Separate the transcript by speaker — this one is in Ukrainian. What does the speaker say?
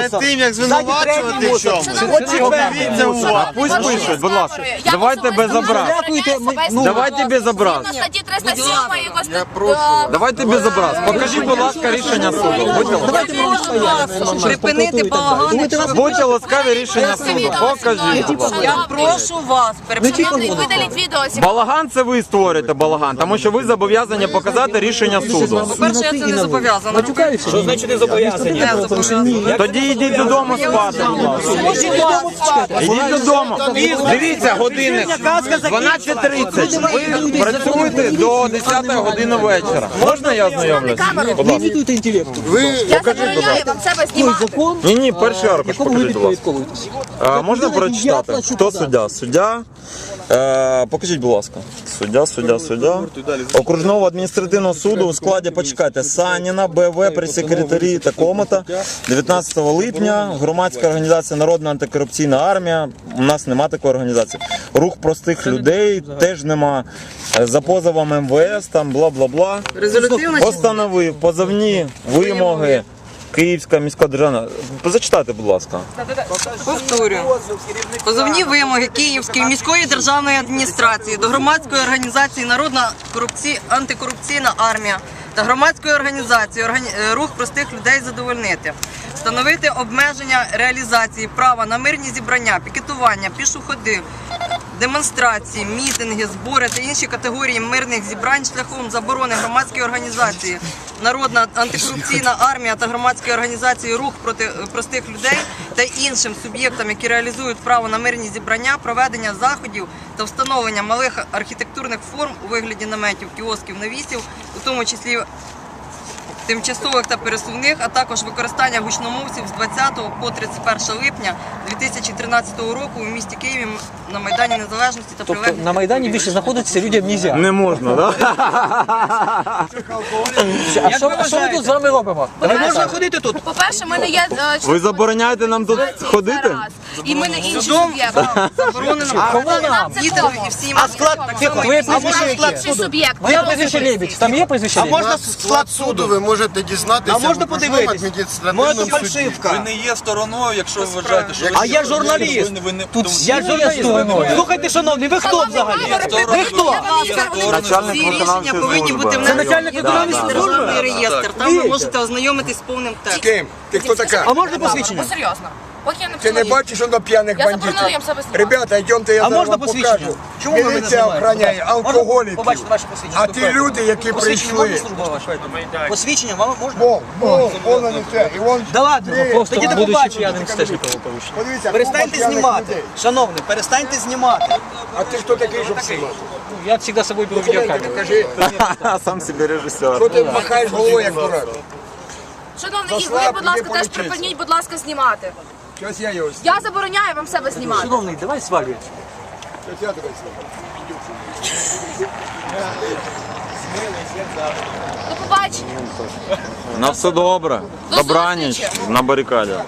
Speaker 1: перед тим, як звинувачувати в чому, подивіться уважно.
Speaker 2: Пусть пишуть, будь ласка. Давайте без образ. Давайте без образ.
Speaker 3: Статті 307 якось...
Speaker 2: Давайте без образ. Покажіть, будь ласка, рішення суду.
Speaker 4: Припинити балаган.
Speaker 2: Будьте ласкаві, рішення суду. Покажіть, будь ласка.
Speaker 4: Я прошу вас,
Speaker 3: Видаліть відео.
Speaker 2: Балаган це ви створюєте балаган, тому що ви зобов'язані показати рішення суду.
Speaker 4: по-перше, я це не зобов'язана.
Speaker 5: Що значить не зобов'язані?
Speaker 4: Не зобов'язана.
Speaker 2: Тоді йдіть додому спати. Йдіть додому. Дивіться, годинник 12:30. Ви працюєте до 10 години вечора. Можна я ознайомлюсь? Будь ласка.
Speaker 3: Я забороняю вам себе знімати.
Speaker 2: Ні, перший аркуш покажіть, будь ласка. Можна прочитати? Хто суддя? Суддя. Покажіть, будь ласка. Суддя. Окружного адміністративного суду у складі, почекайте, Саніна, БВ, прес-секретарі такому-то. 19 липня громадська організація Народна антикорупційна армія. У нас нема такої організації. Рух простих людей теж нема. За позовом МВС, там бла-бла-бла.
Speaker 4: Резолютивна
Speaker 2: Постановив позовні вимоги Київська міська державна. Зачитайте, будь ласка.
Speaker 4: повторюю. Позовні вимоги Київської міської державної адміністрації до громадської організації Народна антикорупційна армія та громадської організації Рух простих людей задовольнити. Встановити обмеження реалізації права на мирні зібрання, пікетування, пішоходи, демонстрації, мітинги, збори та інші категорії мирних зібрань шляхом заборони громадської організації Народна антикорупційна армія та громадської організації Рух проти простих людей та іншим суб'єктам, які реалізують право на мирні зібрання, проведення заходів та встановлення малих архітектурних форм у вигляді наметів, кіосків, навісів, у тому числі тимчасових та пересувних, а також використання гучномовців з 20 по 31 липня 2013 року у місті Києві на Майдані Незалежності та прилеглих.
Speaker 5: На Майдані більше знаходитися людям не можна.
Speaker 2: Не можна, так?
Speaker 5: А що ми тут з вами робимо? Не можна ходити тут.
Speaker 3: По-перше, ми не є...
Speaker 2: Ви забороняєте нам тут ходити?
Speaker 3: І ми не інші суб'єкти.
Speaker 4: Заборонено дітям і всім.
Speaker 5: А склад, твоє прізвище яке?
Speaker 3: Інші суб'єкти.
Speaker 5: Моє прізвище Лебідь. Там є прізвище Лебідь?
Speaker 1: Можна склад суду ви можете дізнатися.
Speaker 5: А можна
Speaker 1: в окружному
Speaker 5: подивитись?
Speaker 1: адміністративному
Speaker 5: Може,
Speaker 1: суді.
Speaker 5: фальшивка.
Speaker 6: Ви не є стороною, якщо ви вважаєте, що ви...
Speaker 5: А я журналіст.
Speaker 6: Тут
Speaker 5: Я журналіст. Слухайте, шановний, ви хто взагалі? Ви хто?
Speaker 2: Начальник
Speaker 4: Всі рішення
Speaker 2: виконавчої
Speaker 4: повинні
Speaker 2: служби.
Speaker 4: бути
Speaker 5: Це
Speaker 4: внесені
Speaker 5: начальник
Speaker 4: в
Speaker 5: виконавчої
Speaker 4: державний реєстр. Там ви можете ознайомитись з повним текстом.
Speaker 7: Ти хто така?
Speaker 5: А можна посвідчення?
Speaker 3: Ну, серйозно. Поки я не
Speaker 7: Ти не
Speaker 3: почала
Speaker 7: бачиш, що до п'яних
Speaker 3: Я
Speaker 7: бандитів?
Speaker 3: забороняю їм себе знімати.
Speaker 7: Ребята, йдемте, я
Speaker 5: А
Speaker 7: зараз
Speaker 5: можна
Speaker 7: вам
Speaker 5: посвідчення?
Speaker 7: покажу.
Speaker 5: Чому ви мене
Speaker 7: Міліція охороняє
Speaker 5: знімаєте?
Speaker 7: алкоголіків.
Speaker 5: Побачите ваше посвідчення.
Speaker 7: А ті люди, які
Speaker 5: Посвідчення
Speaker 7: прийшли.
Speaker 5: можна служба ваша? Посвідчення вам можна?
Speaker 7: Повна не це. І вон,
Speaker 5: Да ладно, просто
Speaker 7: Тоді до
Speaker 5: будучи
Speaker 7: побачення.
Speaker 5: п'яним теж нікого порушення.
Speaker 7: подивіться,
Speaker 5: Перестаньте
Speaker 7: купа п'яних
Speaker 5: знімати.
Speaker 7: людей.
Speaker 5: Шановний, перестаньте знімати.
Speaker 7: А ти хто такий, щоб знімати?
Speaker 5: Ну, я завжди з собою беру відеокамеру.
Speaker 7: Кажи,
Speaker 2: Сам собі режисер.
Speaker 7: що ти махаєш головою, як дурак?
Speaker 3: Шановний, і ви, будь ласка, теж припиніть, будь ласка, знімати.
Speaker 7: Щось я його
Speaker 3: Я забороняю вам себе знімати.
Speaker 5: Шановний, давай свалюй.
Speaker 7: Щось я тебе знімаю.
Speaker 3: До побачення.
Speaker 2: На все добре. Добраніч на барикаді.